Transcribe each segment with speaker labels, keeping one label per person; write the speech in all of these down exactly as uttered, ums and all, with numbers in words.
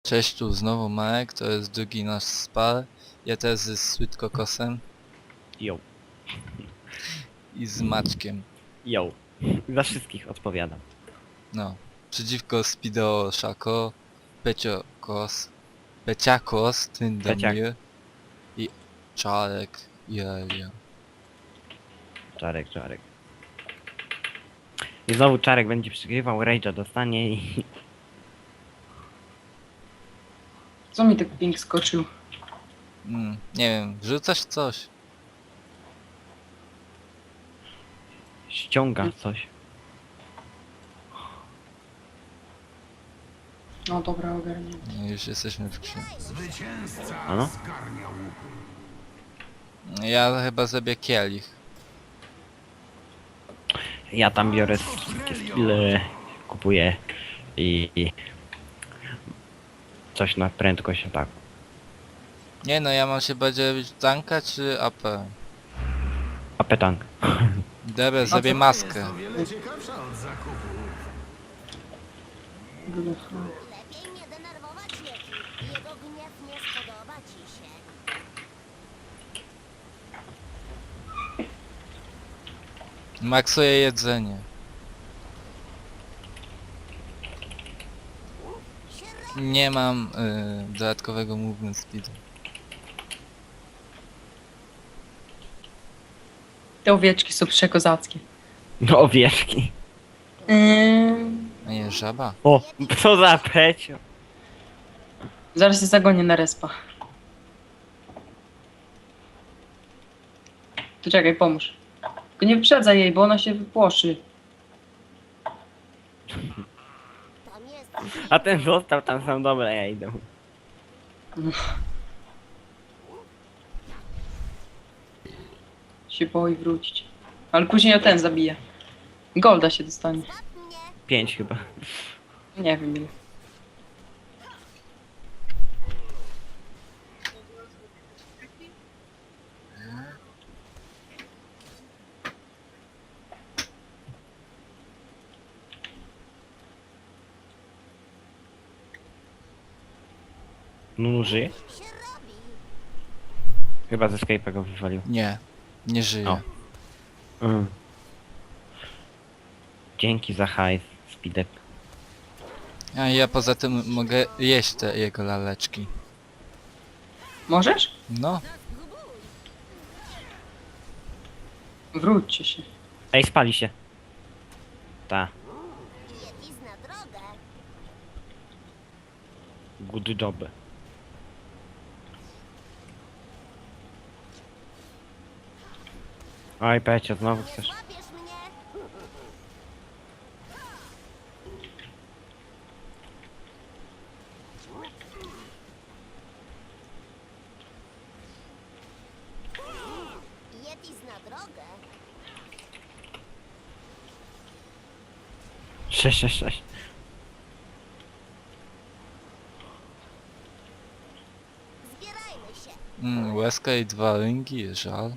Speaker 1: Cześć, tu znowu Marek, to jest drugi nasz spar. Ja też z Sweetkokosem
Speaker 2: Jo,
Speaker 1: i z Maćkiem.
Speaker 2: jo. Za wszystkich odpowiadam.
Speaker 1: No. Przeciwko Speedo Szako, Peciokos, Peciakos, Tyndomir i Czarek i Aelia.
Speaker 2: Czarek, Czarek. I znowu Czarek będzie przegrywał, Rage'a dostanie i...
Speaker 3: Co mi tak ping skoczył?
Speaker 1: Mm, nie wiem, wrzucasz coś?
Speaker 2: ściąga coś.
Speaker 3: No dobra, ogarnię.
Speaker 1: No, już jesteśmy w grze.
Speaker 2: Ano?
Speaker 1: Ja chyba zrobię kielich.
Speaker 2: Ja tam biorę wszystkie skille, kupuję i... i coś na prędkość ataku.
Speaker 1: Nie no, ja mam się bardziej robić tanka czy A P?
Speaker 2: A petank.
Speaker 1: Dobra, zrobię maskę.
Speaker 4: Lepiej nie denerwować Yeti. Jego gniew nie spodoba ci się.
Speaker 1: Maksuję jedzenie. Nie mam y, dodatkowego movement speedu.
Speaker 3: Te owieczki są przekozackie.
Speaker 2: No owieczki.
Speaker 3: Yy,
Speaker 1: A nie, żaba?
Speaker 2: O, co za pecio.
Speaker 3: zaraz się zagonię na respa. To czekaj, pomóż. Tylko nie wyprzedzaj jej, bo ona się wypłoszy.
Speaker 4: Tam jest
Speaker 2: A ten został tam sam, dobra, ja idę.
Speaker 3: Się boi wrócić. Ale później ja ten zabiję. Golda się dostanie.
Speaker 4: złap mnie.
Speaker 2: Pięć chyba.
Speaker 3: Nie wiem ile.
Speaker 2: Nunu żyje?
Speaker 4: Się robi.
Speaker 2: Chyba ze Skype'a go wywalił.
Speaker 1: Nie, nie żyję.
Speaker 2: O. Mm. Dzięki za hajs, Speedek.
Speaker 1: A ja poza tym mogę jeść te jego laleczki.
Speaker 3: Możesz?
Speaker 1: No,
Speaker 3: Wróćcie się.
Speaker 2: Ej, spali się. Ta,
Speaker 4: Yeti zna drogę.
Speaker 2: good job. Oj, Pecio, znowu
Speaker 4: Nie
Speaker 2: chcesz.
Speaker 4: złapiesz mnie. Yeti zna drogę.
Speaker 2: Sześć, sześć, sześć.
Speaker 4: Zbierajmy się.
Speaker 1: mm, łezka i dwa ringi, żal.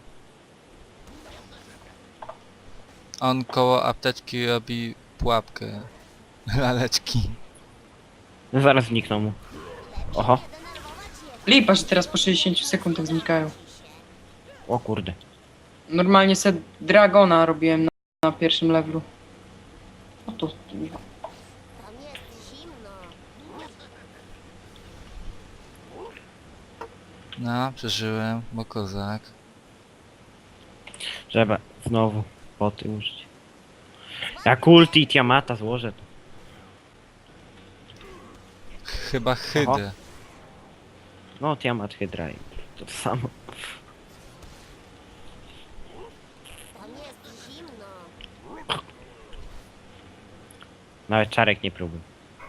Speaker 1: On koło apteczki robi pułapkę. Laleczki.
Speaker 2: Zaraz znikną mu. Oho,
Speaker 4: Nie denerwować Yeti.
Speaker 3: Lipa, że teraz po sześćdziesięciu sekundach znikają.
Speaker 2: o kurde.
Speaker 3: Normalnie se Dragona robiłem na, na pierwszym levelu. O tu.
Speaker 4: Tam jest zimno.
Speaker 1: No, przeżyłem, bo kozak.
Speaker 2: Trzeba znowu poty użyć. Jak ulti i Tiamata złożę to.
Speaker 1: Chyba hydę.
Speaker 2: No, Tiamat Hydra i to, to samo.
Speaker 4: Tam jest zimno.
Speaker 2: Nawet Czarek nie próbuj.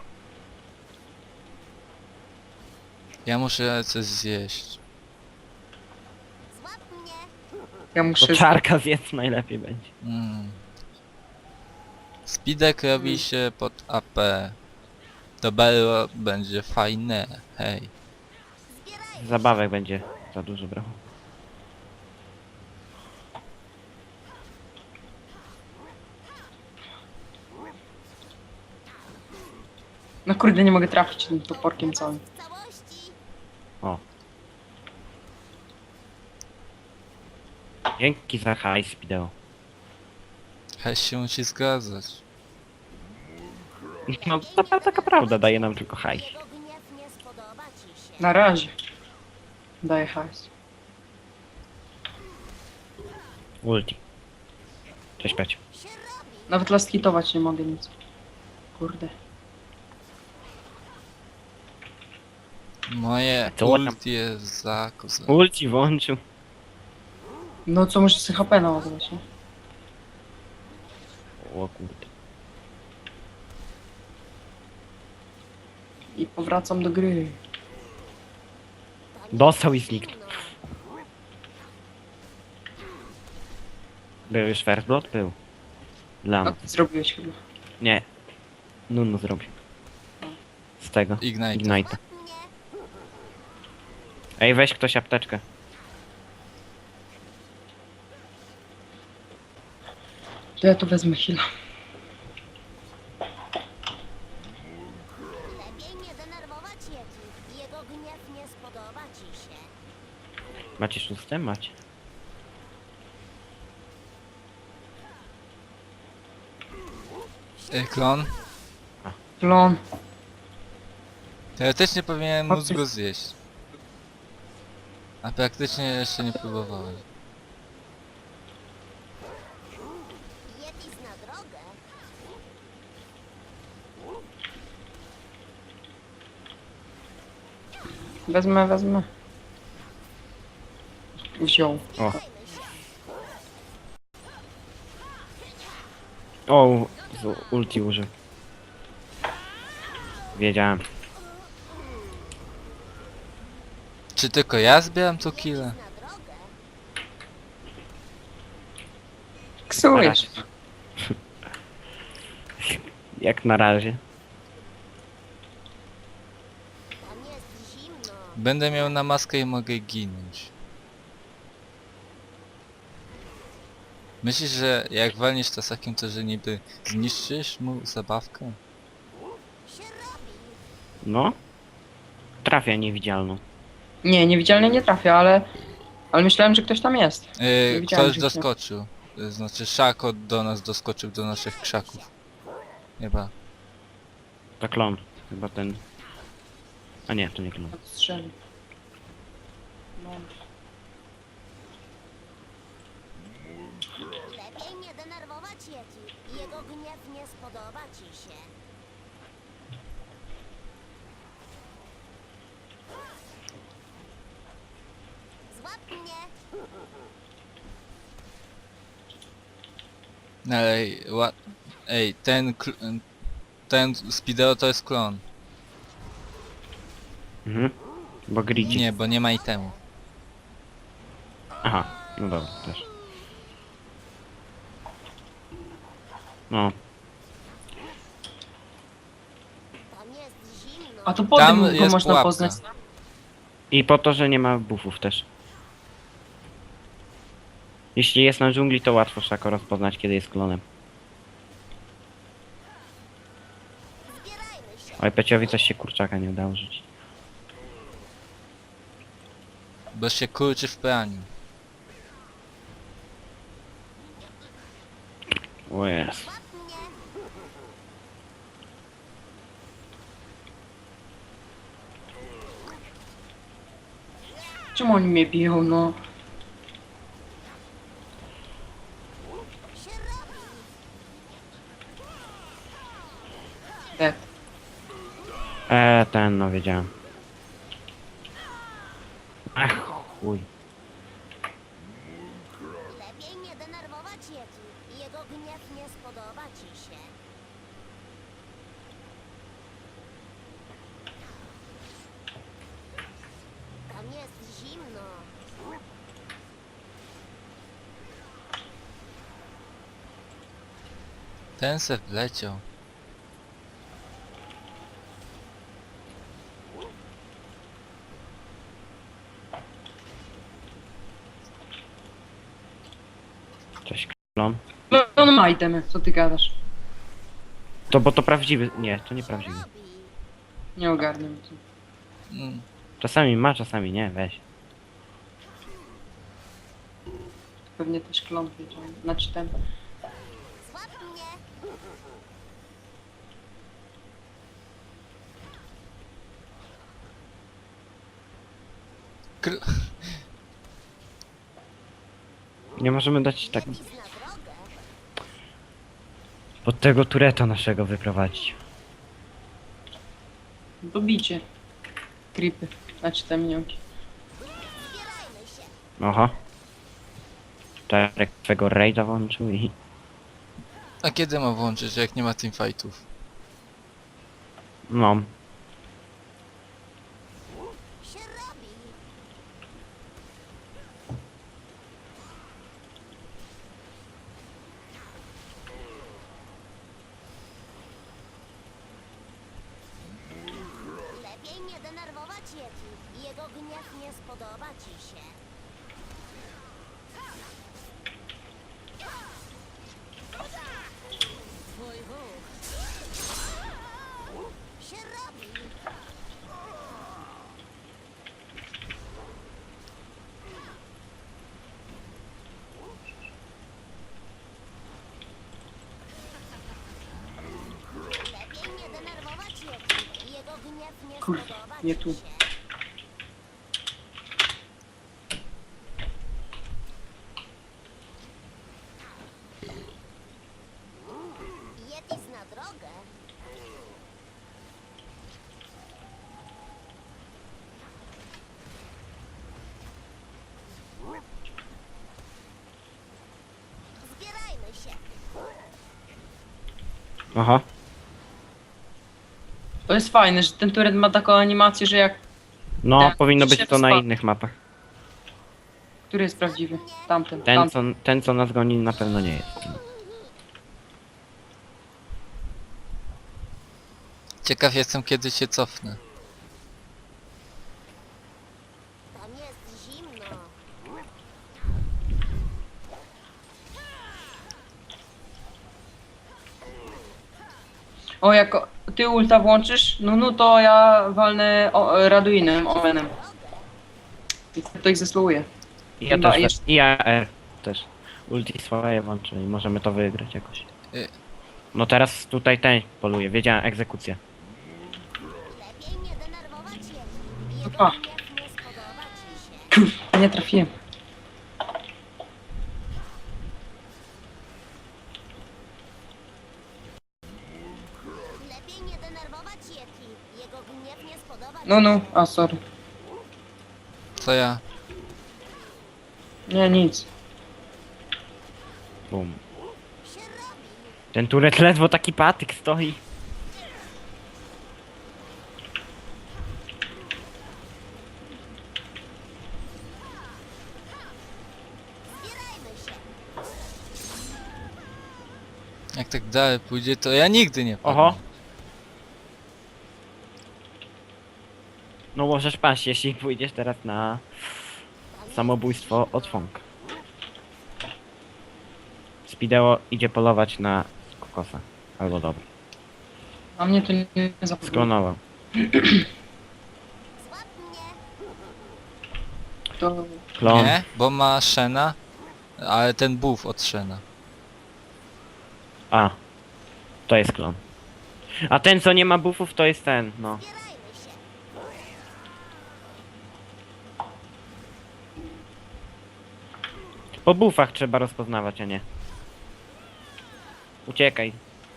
Speaker 1: Ja muszę coś zjeść.
Speaker 4: Złap mnie.
Speaker 3: Ja
Speaker 2: To
Speaker 3: muszę...
Speaker 2: Czarka zjedz najlepiej będzie.
Speaker 1: Mm. Speedek robi się pod A P. To Bello będzie fajne, hej.
Speaker 4: Zbierajmy.
Speaker 2: Zabawek będzie za dużo brał.
Speaker 3: No No kurde, nie mogę trafić tym toporkiem całym.
Speaker 4: W całości.
Speaker 2: O. Dzięki za hajs, wideo.
Speaker 1: Hej się musi zgadzać.
Speaker 2: No, to taka prawda, daje nam tylko hajs.
Speaker 4: Jego gniew nie spodoba ci się.
Speaker 3: Na razie. Daję hajs.
Speaker 2: Ulti. Cześć, Peć.
Speaker 4: Się robi.
Speaker 3: Nawet last hitować nie mogę nic. Kurde.
Speaker 1: Moje
Speaker 2: Co tam?
Speaker 1: ulti jest za kozę.
Speaker 2: Ulti włączył.
Speaker 3: No co, muszę sobie H P naładować, nie?
Speaker 2: O kurde.
Speaker 3: I powracam do gry.
Speaker 4: To nie
Speaker 2: Dostał i
Speaker 4: jest
Speaker 2: zniknął.
Speaker 4: zimno.
Speaker 2: Był już first blood? Był. Dla
Speaker 3: No
Speaker 2: mnie.
Speaker 3: ty zrobiłeś chyba.
Speaker 2: Nie. Nunu zrobił. Z tego.
Speaker 1: Ignite.
Speaker 2: Ignite.
Speaker 4: Mnie.
Speaker 2: Ej, weź ktoś apteczkę.
Speaker 3: To ja tu wezmę heal'a.
Speaker 4: Lepiej nie denerwować Yeti. Jego gniew nie spodoba ci się.
Speaker 2: Macie szóste? Macie.
Speaker 1: Ej, klon.
Speaker 3: Klon.
Speaker 1: Teoretycznie powinienem móc
Speaker 3: Chodźcie.
Speaker 1: go zjeść. A praktycznie jeszcze nie próbowałem.
Speaker 4: Yeti zna drogę.
Speaker 3: Wezmę, wezmę. Wziął.
Speaker 2: O.
Speaker 4: Zajmę się.
Speaker 2: O, z ulti użył. Wiedziałem.
Speaker 1: Czy tylko ja zbieram tu kile?
Speaker 4: Na drogę.
Speaker 3: Ksujesz.
Speaker 2: Jak na razie.
Speaker 4: Tam jest zimno.
Speaker 1: Będę miał na maskę i mogę ginąć. Myślisz, że jak walniesz tasakiem, to że niby zniszczysz mu zabawkę?
Speaker 4: Się robi.
Speaker 2: No. Trafia niewidzialną.
Speaker 3: Nie, niewidzialnie nie trafia, ale... Ale myślałem, że ktoś tam jest.
Speaker 1: Yy,
Speaker 3: Nie widziałem,
Speaker 1: ktoś
Speaker 3: że-
Speaker 1: doskoczył. Yy, Znaczy Szako do nas doskoczył, do naszych krzaków. Chyba.
Speaker 2: To klon. Chyba ten... A nie, to nie klon.
Speaker 3: Odstrzeli. No.
Speaker 4: Lepiej nie denerwować Yeti. Jego gniew nie spodoba ci się. Złap mnie.
Speaker 1: No ale ej, ła... ej ten kl- ten Speedo to jest klon.
Speaker 2: Mhm. Bo gridzi.
Speaker 1: Nie, bo nie ma itemu.
Speaker 2: Aha. No dobra, też. No.
Speaker 4: Tam jest zimno.
Speaker 3: A to po
Speaker 1: Tam
Speaker 3: tym go
Speaker 1: jest
Speaker 3: można
Speaker 1: pułapka.
Speaker 3: poznać.
Speaker 2: I po to, że nie ma buffów też. Jeśli jest na dżungli, to łatwo Szako rozpoznać, kiedy jest klonem.
Speaker 4: Zbierajmy się.
Speaker 2: Oj, Peciowi coś się kurczaka nie udało rzucić.
Speaker 1: Bo się kurczy w praniu.
Speaker 2: O jest.
Speaker 4: Złap mnie.
Speaker 3: Czemu oni mnie biją, no?
Speaker 4: Się robi.
Speaker 3: Dead.
Speaker 2: Eee, ten, no wiedziałem. Ach, chuj.
Speaker 4: Lepiej nie denerwować Yeti. Jego gniew nie spodoba ci się. Tam jest zimno.
Speaker 1: Ten se wleciał.
Speaker 2: Cześć, klon.
Speaker 3: No, on ma itemy, co ty gadasz?
Speaker 2: To, bo to prawdziwy... Nie, to nie prawdziwy.
Speaker 4: Robi.
Speaker 3: Nie ogarniam to.
Speaker 1: Mm.
Speaker 2: Czasami ma, czasami nie, weź.
Speaker 3: Pewnie też klon wiedział. Znaczy ten.
Speaker 4: Złap mnie!
Speaker 1: Kr
Speaker 2: Nie możemy dać tak
Speaker 4: Jaki zna drogę?
Speaker 2: pod tego tureta naszego wyprowadzić.
Speaker 3: Dobicie. Creepy. Znaczy te minionki.
Speaker 4: Zbierajmy się!
Speaker 2: Oho. Czarek twego rage'a włączył i...
Speaker 1: A kiedy ma włączyć, jak nie ma teamfightów?
Speaker 2: No.
Speaker 4: Się robi! Lepiej nie denerwować Yeti. Jego gniew nie spodoba ci się. Twój ruch się robi. Lepiej nie denerwować Yeti. Jego gniew nie
Speaker 3: Kurde,
Speaker 4: spodoba
Speaker 3: nie
Speaker 4: ci
Speaker 3: tu.
Speaker 4: się. Yeti zna drogę. Zbierajmy się.
Speaker 2: Oho.
Speaker 3: To jest fajne, że ten turet ma taką animację, że jak...
Speaker 2: No,
Speaker 3: Tak,
Speaker 2: powinno być
Speaker 3: się
Speaker 2: to na
Speaker 3: wspa-
Speaker 2: innych mapach.
Speaker 3: Który jest prawdziwy? Tamten.
Speaker 2: Ten
Speaker 3: tamten.
Speaker 2: co, ten, co nas goni, na pewno nie jest.
Speaker 1: Ciekaw jestem, kiedy się cofnę.
Speaker 4: Tam jest zimno.
Speaker 3: O, jak o- ty ulta włączysz, no no to ja walnę o, Raduinem, Omenem. I to ich zesluuje.
Speaker 2: I ja
Speaker 3: Chyba
Speaker 2: też,
Speaker 3: jeszcze-
Speaker 2: i ja R też. Ulti swoje włączę i możemy to wygrać jakoś.
Speaker 1: Y.
Speaker 2: No teraz tutaj ten poluje, wiedziałem, egzekucja.
Speaker 4: Lepiej nie denerwować Yeti. Jego
Speaker 3: Opa.
Speaker 4: gniew nie spodoba ci się.
Speaker 3: Nie trafiłem.
Speaker 4: Lepiej nie denerwować Yeti. Jego gniew nie spodoba ci
Speaker 3: No no,
Speaker 4: się.
Speaker 3: a sorry.
Speaker 1: Co ja?
Speaker 3: Nie, nic.
Speaker 2: Bum.
Speaker 4: Się robi.
Speaker 2: Ten turet ledwo taki patyk stoi.
Speaker 4: Zbierajmy się.
Speaker 1: Jak tak dalej pójdzie, to ja nigdy nie padnę.
Speaker 2: Oho. No możesz paść, jeśli pójdziesz teraz na samobójstwo od Fong. Spideo idzie polować na kokosa. Albo dobra.
Speaker 3: A mnie to nie, nie zapomnę.
Speaker 2: Sklonował.
Speaker 4: Złap mnie.
Speaker 3: To...
Speaker 2: Klon.
Speaker 1: Nie, bo ma Shena, ale ten buff od Shena.
Speaker 2: A. To jest klon. A ten co nie ma buffów to jest ten, no.
Speaker 4: Zbierajmy się.
Speaker 2: Po buffach trzeba rozpoznawać, a nie. Uciekaj.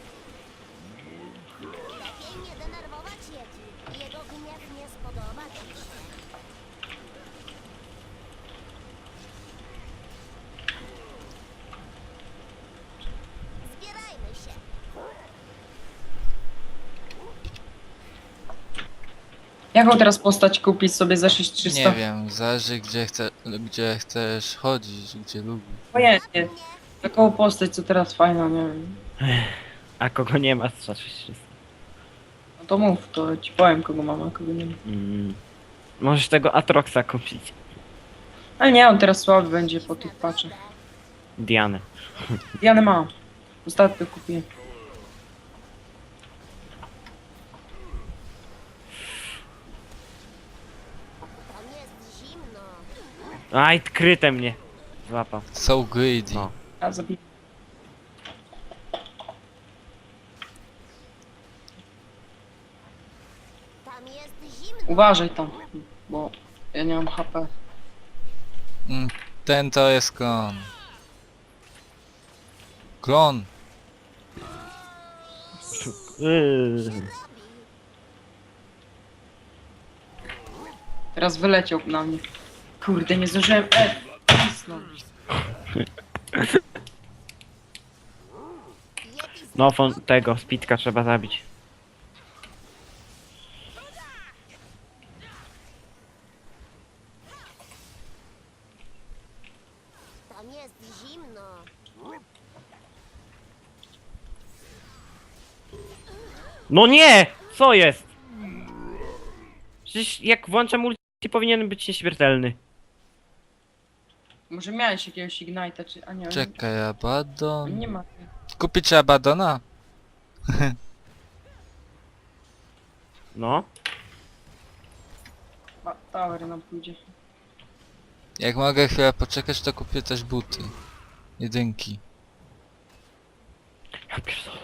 Speaker 4: Lepiej nie denerwować Yeti. Jego gniew nie spodoba ci się. Zbierajmy się.
Speaker 3: Jaką teraz postać kupić sobie za sześć tysięcy trzysta?
Speaker 1: Nie wiem, zależy gdzie, chce, gdzie chcesz chodzić, gdzie lubisz.
Speaker 3: Pojęcie.
Speaker 4: Nie.
Speaker 3: Taką postać, co teraz fajna, nie wiem.
Speaker 2: A kogo nie ma, to wszystko.
Speaker 3: No to mów, to ci powiem, kogo mam, a kogo nie mam.
Speaker 2: Mm. Możesz tego Atroxa kupić.
Speaker 3: Ale nie, on teraz słaby będzie po tych paczach.
Speaker 2: Dianę.
Speaker 3: Dianę mam. Ostatnio kupiłem.
Speaker 2: Aj, kryte mnie. Złapał.
Speaker 1: So greedy.
Speaker 2: No.
Speaker 3: Ja zabiję.
Speaker 4: Tam jest zimno.
Speaker 3: Uważaj tam, bo ja nie mam H P.
Speaker 1: Mm, ten to jest klon. Klon.
Speaker 2: Yy.
Speaker 3: Teraz wyleciał na mnie. Kurde, nie zdążyłem E wcisnąć.
Speaker 4: Yeti
Speaker 2: No, fon tego, spitka trzeba zabić.
Speaker 4: Tam jest zimno.
Speaker 2: No nie! Co jest? Przecież jak włączam multi, powinien być nieśmiertelny.
Speaker 3: Może miałeś jakiegoś Ignite'a, czy... A nie,
Speaker 1: Czekaj, Abaddon.
Speaker 3: nie ma.
Speaker 1: Kupić Abaddona?
Speaker 2: No.
Speaker 3: A, tower nam pójdzie.
Speaker 1: Jak mogę chwilę poczekać, to kupię też buty. Jedynki.
Speaker 2: Ja pierdolę.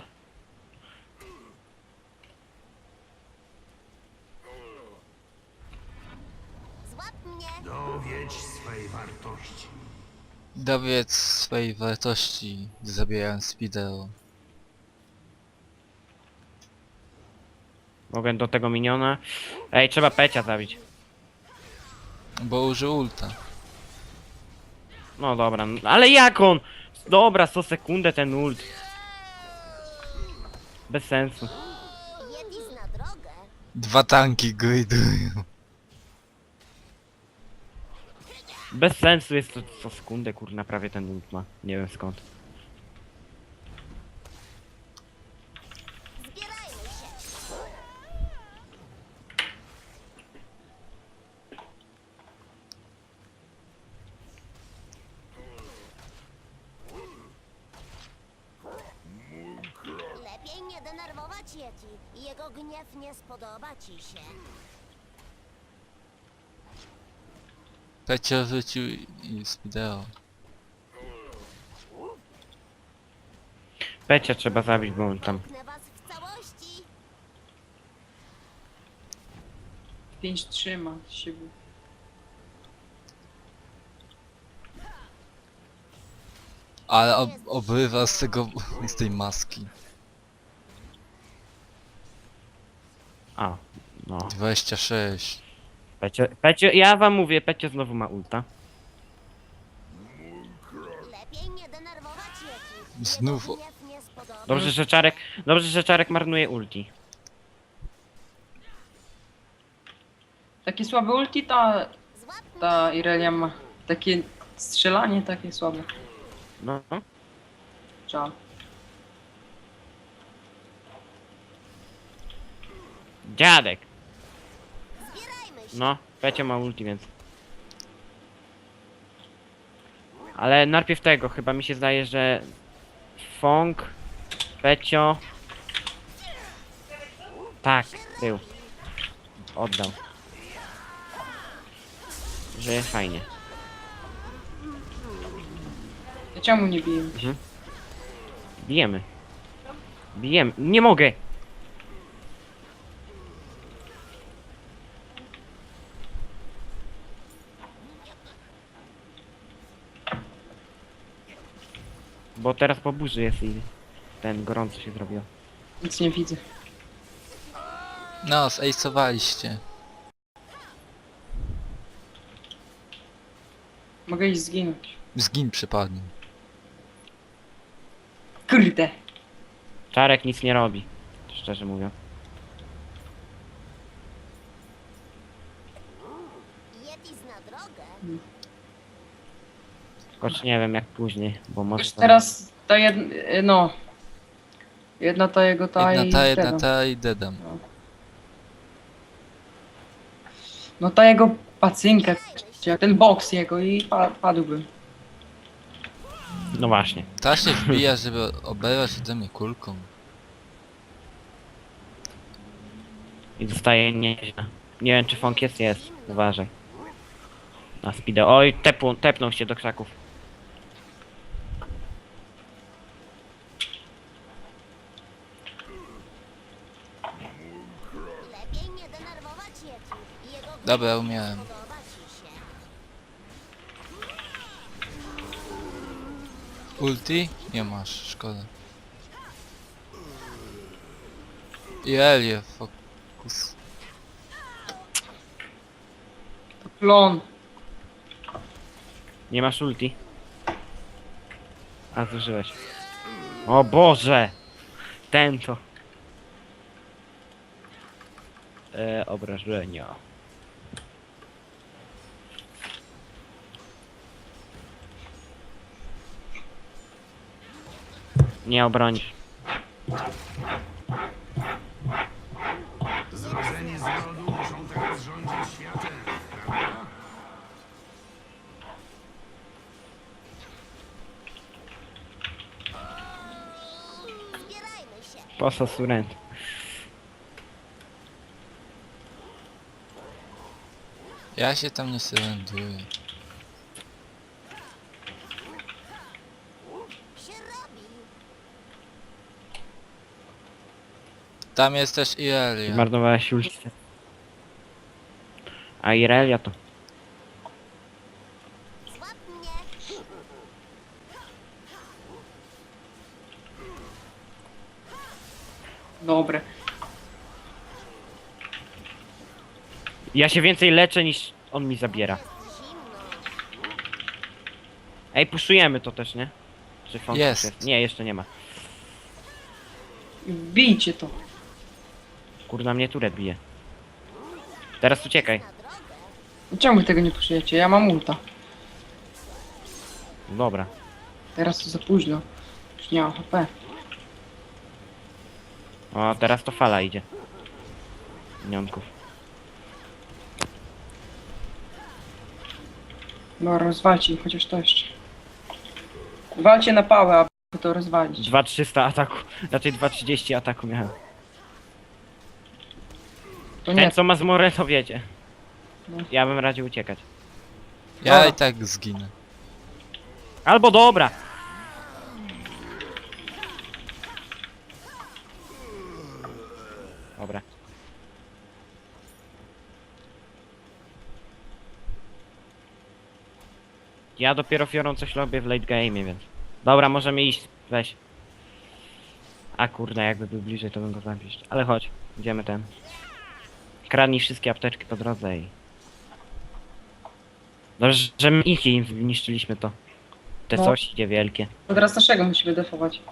Speaker 4: Złap mnie.
Speaker 5: Dowiedź swej wartości.
Speaker 1: Dowiedz swojej wartości, zabierając wideo.
Speaker 2: Mogę do tego miniona. Ej, trzeba Pecia zabić.
Speaker 1: Bo użył ulta.
Speaker 2: No dobra, no, ale jak on? Dobra, sto sekundę ten ult. Bez sensu.
Speaker 4: Yeti zna drogę.
Speaker 1: Dwa tanki gridują.
Speaker 2: Bez sensu jest to co sekundę, kurna, prawie ten ult ma. Nie wiem skąd.
Speaker 4: Zbierajmy się. Lepiej nie denerwować Yeti. Jego gniew nie spodoba ci się.
Speaker 1: Pecio wrócił i z wideo.
Speaker 2: Pecia trzeba zabić, bo on tam...
Speaker 4: Zamknę was w całości.
Speaker 3: pięć trzyma z siebie.
Speaker 1: Ale ob obrywa z tego, z tej maski.
Speaker 2: A, no.
Speaker 1: dwadzieścia sześć.
Speaker 2: Pecio, Pecio, ja wam mówię, Pecio znowu ma ulta.
Speaker 4: Lepiej nie denerwować Yeti.
Speaker 1: Znów
Speaker 4: Jego
Speaker 1: o-
Speaker 4: gniew nie spodoba.
Speaker 2: Dobrze, że Czarek, dobrze, że Czarek marnuje ulti.
Speaker 3: Takie słabe ulti ta,
Speaker 4: Złap mnie.
Speaker 3: ta Irelia ma. Takie strzelanie takie słabe.
Speaker 2: No.
Speaker 3: Żal.
Speaker 2: Dziadek.
Speaker 4: Zbierajmy się.
Speaker 2: No, Pecio ma ulti, więc... Ale najpierw tego, chyba mi się zdaje, że... Fong, Pecio... Tak, był. Oddał. Że jest fajnie.
Speaker 3: Ja czemu nie biję?
Speaker 2: Bijemy. Bijemy. Nie mogę! Bo teraz po burzy jest i ten gorąco się zrobił.
Speaker 3: Nic nie widzę.
Speaker 1: No, zejsowaliście.
Speaker 3: Mogę iść zginąć.
Speaker 1: Zgin przypadnie.
Speaker 3: Kurde.
Speaker 2: Czarek nic nie robi. Szczerze mówiąc.
Speaker 4: Yeti zna drogę.
Speaker 2: Choć nie wiem jak później, bo może...
Speaker 3: Już
Speaker 2: to-
Speaker 3: teraz ta jedna, no. Jedna ta jego ta
Speaker 1: Jedna
Speaker 3: i
Speaker 1: ta, jedna
Speaker 3: tego.
Speaker 1: ta i dedam.
Speaker 3: No ta jego pacynka, czy jak ten boks jego i pa, padłbym.
Speaker 2: No właśnie.
Speaker 1: Ta się wbija, żeby oberwać ode mnie kulką.
Speaker 2: I zostaje nieźle. Nie wiem czy Fong jest, jest. Uważaj. Na speedę. Oj, tepu, tepnął się do krzaków.
Speaker 4: Lepiej nie denerwować Yeti. Jego gniew
Speaker 1: Dobra,
Speaker 4: nie
Speaker 1: umiałem.
Speaker 4: spodoba ci się.
Speaker 1: Ulti? Nie masz, szkoda. I Elie, fokus.
Speaker 3: Klon.
Speaker 2: Nie masz ulti. A, zużyłeś. O Boże! Ten to. E, obrażenia. Nie obronisz.
Speaker 5: Zrodzeni z rodu muszą teraz rządzić światem, prawda?
Speaker 4: Zbierajmy się.
Speaker 2: Posa surrend.
Speaker 1: Ja się tam nie surrenduję.
Speaker 4: Się robi.
Speaker 1: Tam jest też i Elia.
Speaker 2: Zmarnowałeś ulti. A Irelia to.
Speaker 4: Złap mnie.
Speaker 3: Dobre.
Speaker 2: Ja się więcej leczę niż on mi zabiera.
Speaker 4: Zimno.
Speaker 2: Ej, puszujemy to też, nie? Czy Fong
Speaker 1: Jest.
Speaker 2: już Nie, jeszcze nie ma.
Speaker 3: Bijcie to.
Speaker 2: Kurna, mnie turet bije. Teraz uciekaj.
Speaker 4: Na drogę.
Speaker 3: Czemu wy tego nie poszujecie? Ja mam ulta.
Speaker 2: Dobra.
Speaker 3: Teraz to za późno. Już nie mam H P.
Speaker 2: O, teraz to fala idzie. Minionków.
Speaker 3: No rozwalcie ich chociaż to jeszcze. Walcie na pałę, aby to rozwalić.
Speaker 2: dwa trzysta ataku. Raczej dwa trzydzieści ataku miałem.
Speaker 3: To nie,
Speaker 2: Ten co ma zmorę to wiecie.
Speaker 3: No.
Speaker 2: Ja bym radził uciekać.
Speaker 1: Ja
Speaker 3: Dobra.
Speaker 1: i tak zginę.
Speaker 2: Albo dobra. Dobra. Ja dopiero fiorą coś robię w late game, więc. Dobra, możemy iść. Weź. A kurde, jakby był bliżej, to bym go zabił. Ale chodź, idziemy ten. Kradnij wszystkie apteczki po drodze i... Dobrze, że my ich im zniszczyliśmy to. Te
Speaker 3: No.
Speaker 2: coś idzie wielkie.
Speaker 3: to teraz naszego musimy defować.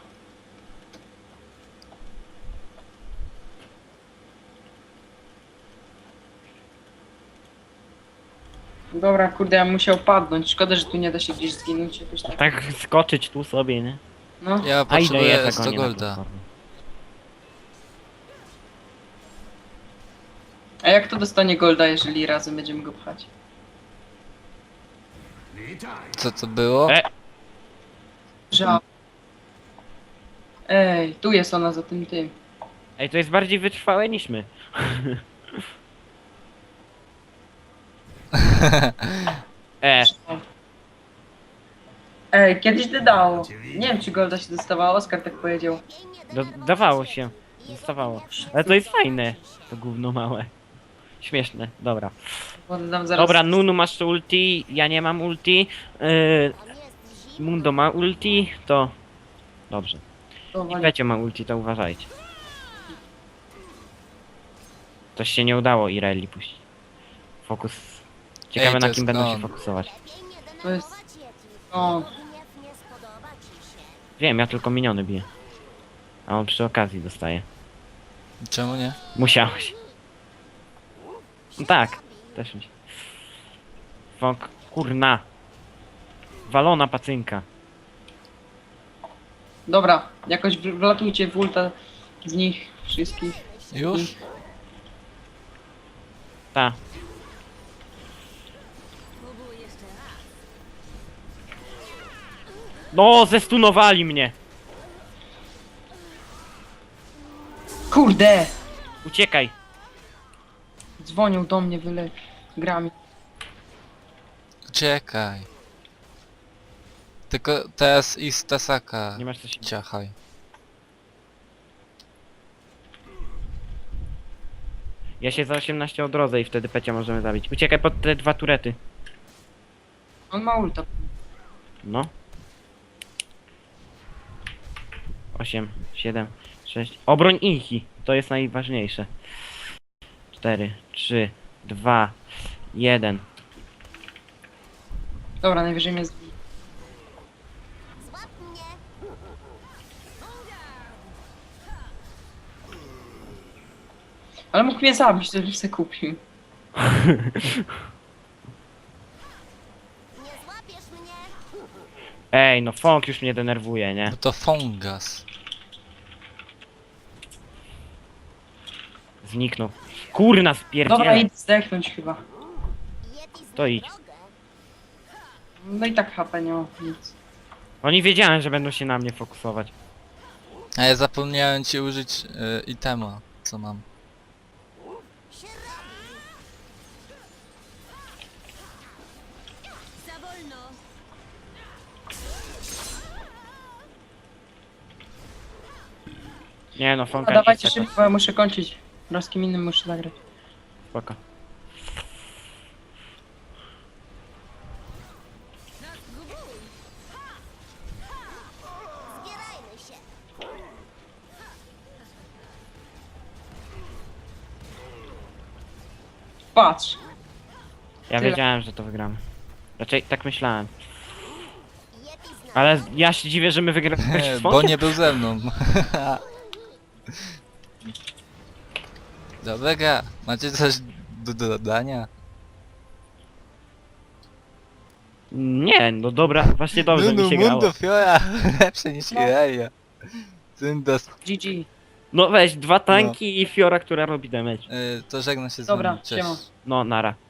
Speaker 3: Dobra, kurde, ja bym musiał padnąć. Szkoda, że tu nie da się gdzieś zginąć jakoś tak.
Speaker 2: Tak skoczyć tu sobie, nie?
Speaker 3: No,
Speaker 1: Ja
Speaker 2: A ile
Speaker 1: potrzebuję
Speaker 2: jest
Speaker 1: sto
Speaker 2: zagonię na
Speaker 1: golda.
Speaker 2: platformie?
Speaker 3: a jak to dostanie golda, jeżeli razem będziemy go pchać?
Speaker 5: Witaj.
Speaker 1: Co to było?
Speaker 2: E.
Speaker 3: Ża. Ej, tu jest ona za tym tym.
Speaker 2: Ej, to jest bardziej wytrwałe niż my. e,
Speaker 3: Ej, kiedyś to dało. Nie wiem, czy golda się dostawało, Oskar tak powiedział.
Speaker 4: Lepiej nie
Speaker 2: do,
Speaker 4: denerwować
Speaker 2: dawało
Speaker 4: Yeti.
Speaker 2: się.
Speaker 4: Jego
Speaker 2: Dostawało.
Speaker 4: gniew
Speaker 2: Ale to jest fajne. To gówno małe. Śmieszne, dobra.
Speaker 3: Oddam zaraz.
Speaker 2: Dobra, Nunu masz ulti, ja nie mam ulti. Yy,
Speaker 4: Tam jest zimno.
Speaker 2: Mundo ma ulti, to... Dobrze.
Speaker 3: To
Speaker 2: I
Speaker 3: wali-
Speaker 2: Pecio ma ulti, to uważajcie. Coś się nie udało Ireli puścić. Fokus... Ciekawe
Speaker 1: Ej, to
Speaker 2: na
Speaker 1: jest
Speaker 2: kim będą się
Speaker 1: on.
Speaker 2: fokusować.
Speaker 4: Lepiej nie
Speaker 3: To jest-
Speaker 4: denerwować Yeti.
Speaker 3: O.
Speaker 4: Jego gniew nie spodoba ci się.
Speaker 2: Wiem, ja tylko miniony biję. A on przy okazji dostaje.
Speaker 1: Czemu nie?
Speaker 2: Musiałeś. No tak, też mi się. Fok, kurna. Walona pacynka.
Speaker 3: Dobra, jakoś w- wlatujcie w ulta z nich wszystkich.
Speaker 1: Już?
Speaker 2: Ta. No, zestunowali mnie.
Speaker 3: Kurde!
Speaker 2: Uciekaj.
Speaker 3: Dzwonią do mnie wyle grami.
Speaker 1: Uciekaj. Tylko teraz i z Tasaka
Speaker 2: Nie masz coś...
Speaker 1: ciachaj.
Speaker 2: Ja się za osiemnaście odrodzę i wtedy Pecia możemy zabić. Uciekaj pod te dwa turety.
Speaker 3: On ma ulta.
Speaker 2: No. osiem, siedem, sześć. Obroń Inchi. To jest najważniejsze. cztery, trzy, dwa, jeden.
Speaker 3: Dobra, najwyżej mnie zbije.
Speaker 4: Złap mnie.
Speaker 3: Ale mógł mnie zabić, żebym se kupił.
Speaker 4: Nie złapiesz mnie.
Speaker 2: Ej, no Fong już mnie denerwuje, nie?
Speaker 1: Bo to Fongas.
Speaker 2: Zniknął. Kurna,
Speaker 3: Dobra,
Speaker 2: spierdzielę.
Speaker 3: idź zdechnąć chyba.
Speaker 4: Yeti zna
Speaker 2: To idź.
Speaker 4: drogę.
Speaker 3: No i tak H P nie ma nic.
Speaker 2: Oni wiedziałem, że będą się na mnie fokusować.
Speaker 1: A ja zapomniałem ci użyć y, itema, co mam.
Speaker 4: Się robi. Za wolno.
Speaker 2: Nie no, Fong
Speaker 3: A dawajcie szybko, bo ja muszę kończyć. No z kim innym muszę zagrać.
Speaker 2: Spoko.
Speaker 4: Zbierajmy się.
Speaker 3: Patrz.
Speaker 2: Ja
Speaker 3: Tyle.
Speaker 2: wiedziałem, że to wygramy. Raczej tak myślałem.
Speaker 4: Yeti zna
Speaker 2: Ale ja się dziwię, że my wygraliśmy z
Speaker 1: Bo
Speaker 2: Fongiem.
Speaker 1: nie był ze mną. Dobra, macie coś do dodania?
Speaker 2: Nie, no dobra, właśnie dobrze
Speaker 1: no,
Speaker 2: mi się
Speaker 1: no,
Speaker 2: grało.
Speaker 1: Mundo Fiora lepsze niż
Speaker 3: No.
Speaker 1: Irelia. Syndas.
Speaker 3: G G.
Speaker 2: No weź, dwa tanki i Fiora, która robi damage.
Speaker 1: Y, to żegna się z
Speaker 3: Dobra,
Speaker 1: wami. Cześć.
Speaker 3: siema.
Speaker 2: No, nara.